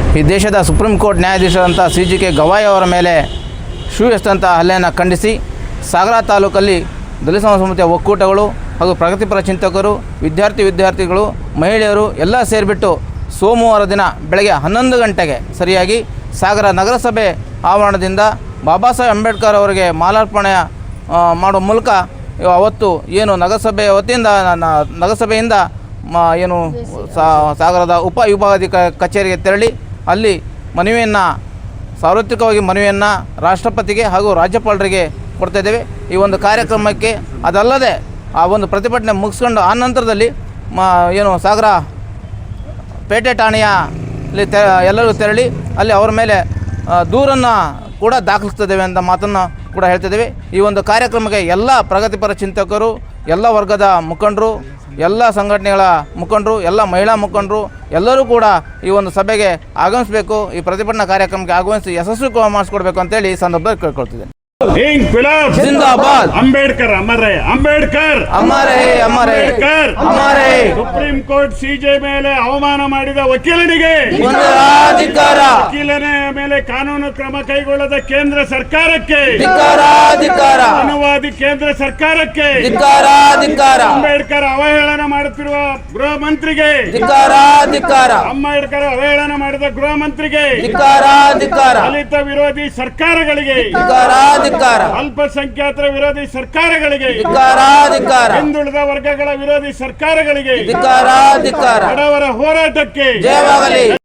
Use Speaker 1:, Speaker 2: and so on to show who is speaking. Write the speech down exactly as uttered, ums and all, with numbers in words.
Speaker 1: ಈ ದೇಶದ supreme court ನ್ಯಾಯಾಧೀಶರಂಥ ಸಿ ಜಿ ಕೆ ಗವಾಯಿ ಅವರ ಮೇಲೆ ಶೂ ಎಸ್ತಂಥ ಹಲ್ಲೆಯನ್ನು ಖಂಡಿಸಿ ಸಾಗರ ತಾಲೂಕಲ್ಲಿ ದಲಿತ ಸಮಾಜ ಒಕ್ಕೂಟಗಳು ಹಾಗೂ ಪ್ರಗತಿಪರ ಚಿಂತಕರು, ವಿದ್ಯಾರ್ಥಿ ವಿದ್ಯಾರ್ಥಿಗಳು, ಮಹಿಳೆಯರು ಎಲ್ಲ ಸೇರಿಬಿಟ್ಟು ಸೋಮವಾರ ದಿನ ಬೆಳಗ್ಗೆ ಹನ್ನೊಂದು ಗಂಟೆಗೆ ಸರಿಯಾಗಿ ಸಾಗರ ನಗರಸಭೆ ಆವರಣದಿಂದ ಬಾಬಾ ಸಾಹೇಬ್ ಅಂಬೇಡ್ಕರ್ ಅವರಿಗೆ ಮಾಲಾರ್ಪಣೆ ಮಾಡುವ ಮೂಲಕ ಅವತ್ತು ಏನು ನಗರಸಭೆಯ ವತಿಯಿಂದ ನಗರಸಭೆಯಿಂದ ಏನು ಸಾಗರದ ಉಪ ವಿಭಾಗಾಧಿಕ ಕಚೇರಿಗೆ ತೆರಳಿ ಅಲ್ಲಿ ಮನವಿಯನ್ನು ಸಾರ್ವತ್ರಿಕವಾಗಿ ಮನವಿಯನ್ನು ರಾಷ್ಟ್ರಪತಿಗೆ ಹಾಗೂ ರಾಜ್ಯಪಾಲರಿಗೆ ಕೊಡ್ತಾಯಿದ್ದೇವೆ. ಈ ಒಂದು ಕಾರ್ಯಕ್ರಮಕ್ಕೆ ಅದಲ್ಲದೆ ಆ ಒಂದು ಪ್ರತಿಭಟನೆ ಮುಗಿಸ್ಕೊಂಡು ಆ ನಂತರದಲ್ಲಿ ಮ ಏನು ಸಾಗರ ಪೇಟೆ ಠಾಣೆಯಲ್ಲಿ ತೆ ಎಲ್ಲರೂ ತೆರಳಿ ಅಲ್ಲಿ ಅವರ ಮೇಲೆ ದೂರನ್ನು ಕೂಡ ದಾಖಲಿಸ್ತೇವೆ ಅಂತ ಮಾತನ್ನು ಕೂಡ ಹೇಳ್ತಿದ್ದೇವೆ. ಈ ಒಂದು ಕಾರ್ಯಕ್ರಮಕ್ಕೆ ಎಲ್ಲ ಪ್ರಗತಿಪರ ಚಿಂತಕರು, ಎಲ್ಲ ವರ್ಗದ ಮುಖಂಡರು, ಎಲ್ಲ ಸಂಘಟನೆಗಳ ಮುಖಂಡರು, ಎಲ್ಲ ಮಹಿಳಾ ಮುಖಂಡರು ಎಲ್ಲರೂ ಕೂಡ ಈ ಒಂದು ಸಭೆಗೆ ಆಗಮಿಸಬೇಕು. ಈ ಪ್ರತಿಭಟನಾ ಕಾರ್ಯಕ್ರಮಕ್ಕೆ ಆಗಮಿಸಿ ಯಶಸ್ವಿ ಮಾಡಿಸ್ಕೊಡ್ಬೇಕು ಅಂತೇಳಿ ಈ ಸಂದರ್ಭದಲ್ಲಿ ಕೇಳ್ಕೊಳ್ತಿದ್ದೇನೆ.
Speaker 2: ಜಿಂದಾಬಾದ್. ಅಂಬೇಡ್ಕರ್ ಅಮರೇ, ಅಂಬೇಡ್ಕರ್
Speaker 1: ಅಮರೇ, ಅಮರೇ, ಅಮರೇ.
Speaker 2: ಸುಪ್ರೀಂ ಕೋರ್ಟ್ ಸಿಜೆ ಮೇಲೆ ಅವಮಾನ ಮಾಡಿದ ವಕೀಲನಿಗೆ
Speaker 1: ಧಿಕ್ಕಾರ,
Speaker 2: ವಕೀಲನ ಮೇಲೆ ಕಾನೂನು ಕ್ರಮ ಕೈಗೊಳ್ಳದ ಕೇಂದ್ರ ಸರ್ಕಾರಕ್ಕೆ
Speaker 1: ಧಿಕ್ಕಾರ,
Speaker 2: ಅನುವಾದಿ ಕೇಂದ್ರ ಸರ್ಕಾರಕ್ಕೆ
Speaker 1: ಧಿಕ್ಕಾರ, ಧಿಕ್ಕಾರ.
Speaker 2: ಅಂಬೇಡ್ಕರ್ ಅವಹೇಳನ ಮಾಡುತ್ತಿರುವ ಗೃಹ ಮಂತ್ರಿಗೆ
Speaker 1: ಧಿಕ್ಕಾರ, ಧಿಕ್ಕಾರ.
Speaker 2: ಅಂಬೇಡ್ಕರ್ ಅವಹೇಳನ ಮಾಡಿದ ಗೃಹ ಮಂತ್ರಿಗೆ
Speaker 1: ಧಿಕ್ಕಾರ, ಧಿಕ್ಕಾರ.
Speaker 2: ದಲಿತ ವಿರೋಧಿ ಸರ್ಕಾರಗಳಿಗೆ
Speaker 1: ಧಿಕ್ಕಾರ, ಧಿಕ್ಕಾರ.
Speaker 2: ಅಲ್ಪಸಂಖ್ಯಾತರ ವಿರೋಧಿ ಸರ್ಕಾರಗಳಿಗೆ
Speaker 1: ಧಿಕ್ಕಾರ, ಧಿಕ್ಕಾರ.
Speaker 2: ಹಿಂದುಳಿದ ವರ್ಗಗಳ ವಿರೋಧಿ ಸರ್ಕಾರಗಳಿಗೆ
Speaker 1: ಧಿಕ್ಕಾರ, ಧಿಕ್ಕಾರ.
Speaker 2: ಬಡವರ ಹೋರಾಟಕ್ಕೆ
Speaker 1: ಜಯವಾಗಲಿ.